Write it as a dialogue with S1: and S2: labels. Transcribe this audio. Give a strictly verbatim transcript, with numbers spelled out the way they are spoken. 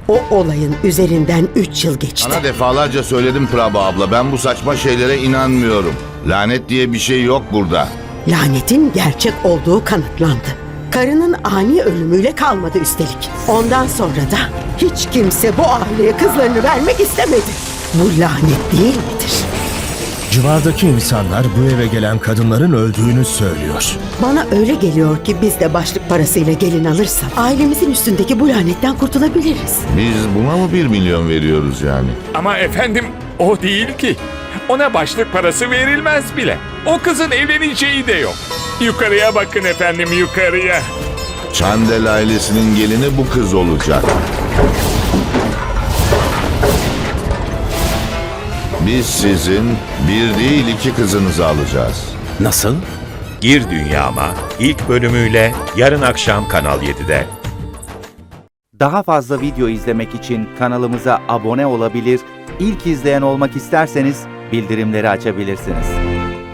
S1: O olayın üzerinden üç yıl geçti.
S2: Sana defalarca söyledim Prabha abla. Ben bu saçma şeylere inanmıyorum. Lanet diye bir şey yok burada.
S1: Lanetin gerçek olduğu kanıtlandı. Karının ani ölümüyle kalmadı üstelik. Ondan sonra da hiç kimse bu aileye kızlarını vermek istemedi. Bu lanet değil midir?
S3: Civardaki insanlar bu eve gelen kadınların öldüğünü söylüyor.
S1: Bana öyle geliyor ki biz de başlık parasıyla gelin alırsak ailemizin üstündeki bu lanetten kurtulabiliriz.
S2: Biz buna mı bir milyon veriyoruz yani?
S4: Ama efendim o değil ki. Ona başlık parası verilmez bile. O kızın evleneceği de yok. Yukarıya bakın efendim, yukarıya.
S2: Çandel ailesinin gelini bu kız olacak. Biz sizin bir değil iki kızınızı alacağız.
S3: Nasıl?
S5: Gir Dünyama ilk bölümüyle yarın akşam Kanal yedide.
S6: Daha fazla video izlemek için kanalımıza abone olabilir, ilk izleyen olmak isterseniz bildirimleri açabilirsiniz.